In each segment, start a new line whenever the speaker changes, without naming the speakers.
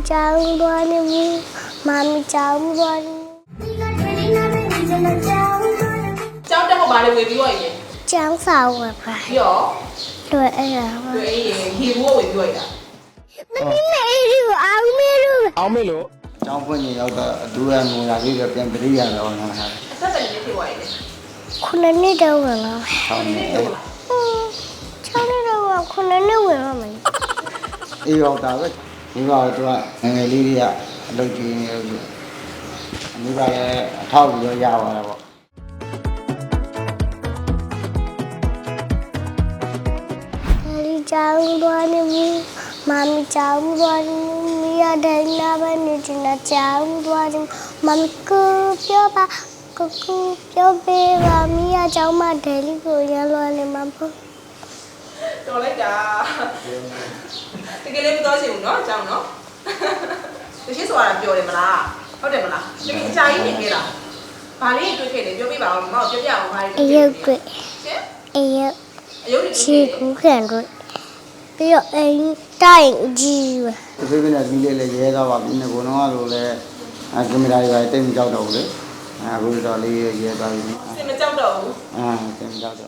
Chào đoan em mami chào đoan
Cháu đang có bà này về bí vậy nhỉ?
Chào sao rồi phải
Hiểu.
Rồi em là
Rồi hi mua về bí vậy à?
Mẹ đi áo mẹ rồi
အောင်မေလို့
ကျောင်းဖွင့်နေရောက်တော့အတူရငိုလာပြီးတော့ပြန်ပြရရတော့နော်ဟာ
Sao lại như thế vậy nhỉ?
Con này đi đâu rồi nó
ဆောင်းနေ
Cháu đi đâu rồi con này đi rồi mà
အေးရောက်တာပဲမိဘတို့ကငယ်လေးတွေကအလုပ်ကြီးနေလို့မိဘလည်းအထောက်ပြီးတော့ရပါတာပေါ့
Daddy chào đoan em mami chào đoan Mia đây là bên này chỉ là chào đoan mami cứပြောပါကူပြောပေးပါမီးအကြောင်းမဒဲလီကိုရလွန်နေမှာပေါ့
Rồi lấy cả. Thì cái lên tôi chịu nó cháu nó. Tôi chỉ xóa là biểu để mà là. Không để mà là. Cái chai gì kia là. Bà lý tôi kể để biểu biết bảo mà biểu biểu mà
အရုပ်တွေ
Chứ?
အရုပ်
Yếu thì
ချီကူးခံတွေပြီးတော့အိမ်တိုင်ကြီးပဲ
တပိပိနဲ့ပြီးလေးလည်းရဲတော့ပါပြီငကိုတော့လို့လည်းကင်မရာတွေတိတ်မကြောက်တော့ဘူးလေအခုတော့လေးရဲသွားပြီ
Xin mà cháu đầu.
တိတ်မကြောက်တော့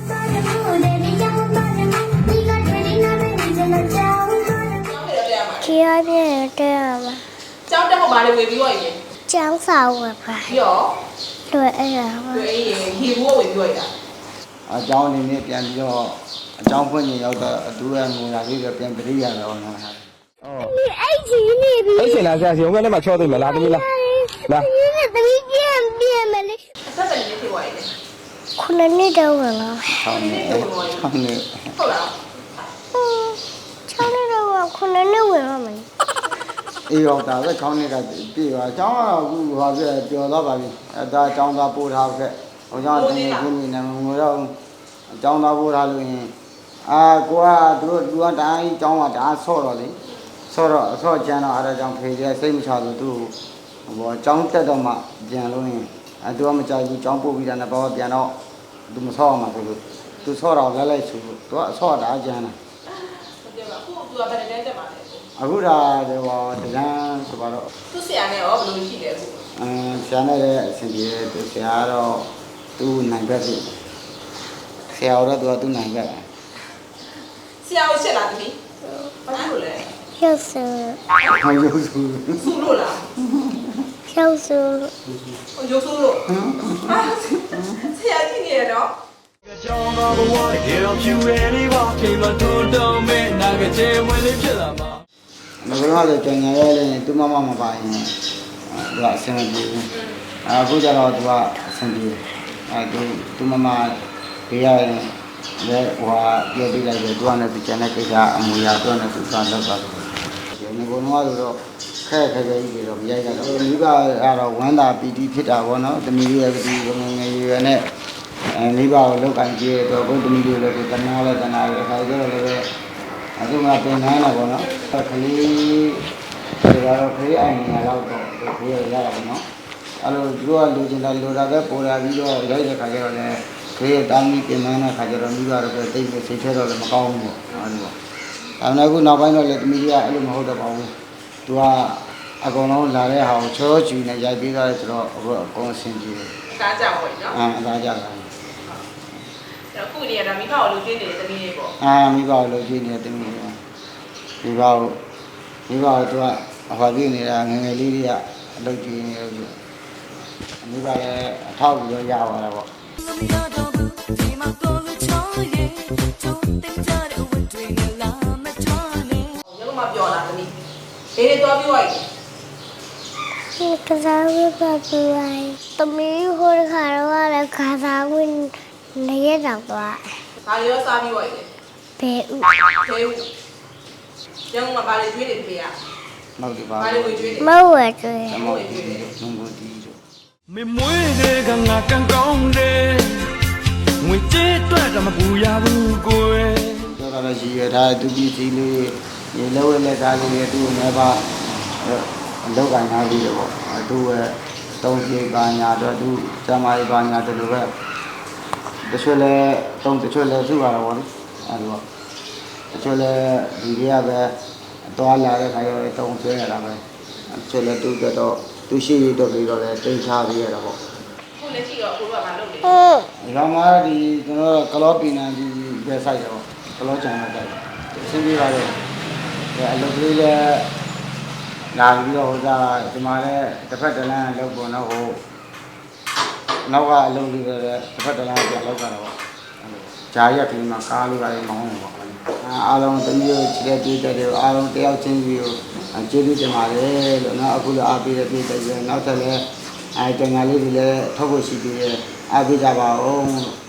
Cháu về đó đem mà.
ချီရပြည့်တဲ့မှာ
Cháu đang có bà này về bí vậy nhỉ?
ចောင်းစာဝယ်ပါ
Hiểu.
တွေ့အဲ့ဒါပါ
Rồi hi mua về bí vậy à?
အကြောင်းအနေနဲ့ပြန်ပြီးတော့အကြောင်းဖွင့်နေရောက်တော့အတူရငိုလာပြီးတော့ပြန်ပြရရတော့နော်ဟာ
အဲ့ကြီးနေပြီ
အဲ့ရှင်လာဆရာစီုံကလည်းမချောသိမလားသမီးလားလာ
ဒီနေ့တမီးပြန်မလေး
Sao lại như thế vậy nhỉ?
ခုနှစ်နှစ်တော့ဝင်လာ
ဆောင်းနေဆောင်းနေ
Không là.
ချောင်းနေတော့ခုနှစ်နှစ်ဝင်လာမယ်
အေးရောက်တာပဲခေါင်းနေတာပြေပါအကြောင်းကအခုဟာပြပျော်သွားပါပြီအဲဒါအကြောင်းသားပို့ထားခဲ့ဟိုကြောင့်တင်နေနေနေငိုတော့အကြောင်းသားပို့ထားလို့ရင်ကိုကသူကတိုင်းအကြောင်းကဒါဆော့တော့လေဆော့တော့အဆော့ကျန်တော့အဲဒါကြောင့်ဖေးစိတ်မချလို့သူဟိုအကြောင်းတက်တော့မှပြန်လို့ရင်သူကမကြိုက်ဘူးအကြောင်းပို့ပြီးတာနဲ့ဘာမှပြန်တော့သူမဆော့အောင်မှာဆိုလို့သူဆော့တော့လဲလိုက်ဆိုလို့သူကအဆော့တာကျန်တာ
Không biết mà. Cô vừa về đây để mà.
အခုဒါတော့တန်းဆိုတော့
Tôi sẽ này ở bên chị để cô.
ဆရာနဲ့လည်းအဆင်ပြေတယ်သူဆရာတော့သူ့နိုင်ဘက်ပြီဆရာတော့သူနိုင်ဘက်
Sao sẽ là gì? Bắt đầu rồi.
ဖြုတ်ဆူ
ဟောရုပ်စု
Su rồi là.
ဖြုတ်ဆူ
Yo su rồi. Sao cái gì đó?
ကြောင်းတော်ဘဝတကယ်တော့ဖြူရဲလေးပါခင်မတွန်းတော့မဲ့နာကကျဲဝင်လေးဖြစ်လာမှာ
ငါကတော့ကြံရရဲလည်းသူမမမပါရင်သူကအဆင်မပြေဘူးအခုကျတော့သူကအဆင်ပြေသူမမပေးရရင်လည်းဟိုပြောပြလိုက်တယ်သူကလည်းကျန်တဲ့ကိစ္စအမူအရာတော့လည်းသူစားလောက်ပါလို့ဒီကုန်းကတော့ခဲခဲကြီးတော့မရိုက်တော့မိဘကတော့ဝမ်းသာပီတိဖြစ်တာပေါ့နော်တမီးရဲ့ဒီငငယ်ရွယ်နဲ့မိဘကိုလောက်ကင်ကြည့်တော့ဘုဒ္ဓမီတွေလည်းတနာလည်းအခါကျတော့လည်းအခုမှပြင်နှမ်းလာပေါ့နော်ခလေးဒါတော့ခလေးအိုင်နေတော့ခလေးရရတာပေါ့နော်အဲ့လိုသူကလူချင်းတာလူတာပဲပေါ်လာပြီးတော့ရိုက်တဲ့ခါကျတော့လည်းခလေးတာမီပြင်နှမ်းတဲ့ခါကျတော့မိဘတော့တိတ်ပြီးစိတ်ထဲတော့လည်းမကောင်းဘူးပေါ့အဲ့လိုပေါ့ဒါပေမဲ့အခုနောက်ပိုင်းတော့လည်းတမီးကအဲ့လိုမဟုတ်တော့ပါဘူးသူကအကုန်လုံးလာတဲ့ဟာကိုချောချူနဲ့ရိုက်ပြီးသားဆိုတော့အခုအကုန်ဆင်ပြေတယ်
Cá chảo vậy nhá.
အသားကြတာ
Đó cụ này là mi bảo lưu trên để tâm đi bộ.
မိဘလိုကြည့်နေတယ်မိဘသူကဟောပြီးနေတာငယ်ငယ်လေးတွေကအလုပ်ကြီးနေလို့မိဘလည်းအထောက်ပြီးတော့ရပါတာပေါ့
Nhưng mà biểu là tâm đi. Thế nên tôi biểu vậy.
ဒီကစားဝယ်ပါပြလိုက်တမီးဟိုခါတော့လည်းခါစားဝင်နေရတော့သွား
Bà nhớ sao biểu vậy nhỉ?
ဘယ်ဥ
Thế u. Nhưng mà bà lấy chuyên để về à?
မဟုတ်ဒီပါ
Bà lấy người chuyên để.
မဝယ်တွေ့
Em ngồi chuyên để.
နုံကိုတီးတို့
မင်းမွေးတွေကငါကန်ကောင်းတယ်ငွေကြေးအတွက်တော့မပူရဘူးကိုယ်
ပြောတာလည်းရှိရတာသူပြည်စီလေးရေလဲဝဲလက်ကားလေးသူ့နဲ့ပါလောက်ကင်ထားပြီးတော့ပေါ့သူ့ရဲ့တုံးပြေပါညာတော့သူကျမကြီးပါညာတို့လိုပဲတချို့လည်းတချို့လည်းသူ့ရတာပေါ့လေအဲ့လိုတချို့လည်းဒီတွေကပဲတသွားလာတဲ့ခါကျတော့တုံဆွဲရတာပဲဆိုလည်းသူကတော့သူရှိရတော့ပြီးတော့လည်းတိတ်ချပြီးရတာပေါ့
ခုလက်ရှိတော့ကိုတို့ကမလုပ်လေ
ဒီကောင်ကဒီကျွန်တော်ကလောပီနန်ဒီဘယ်ဆိုင်တော့ကလောချန်တဲ့ဆိုင်အဆင်းပြေပါလေအလုပ်ကလေးလည်းလာပြီးတော့ဟိုစားဒီမှာလည်းတစ်ဖက်တစ်လမ်းလောက်ပေါ်တော့ဟိုနောက်ကအလုပ်လေးလည်းတစ်ဖက်တစ်လမ်းပြန်လောက်ကြတော့ဂျာရက်ကလေးမှာကားလေးပါလေးမောင်းနေပေါ့အားလုံးတမျိုးချစ်တဲ့ပြည်တဲ့အားလုံးတယောက်ချင်းစီကိုကျေးဇူးတင်ပါတယ်လို့နော်အခုလည်းအားပေးတဲ့ပြည်တဲ့နောက်ထပ်လည်းတန်ငါလေးတွေလည်းထုတ်ဖို့ရှိသေးတယ်အားပေးကြပါဦး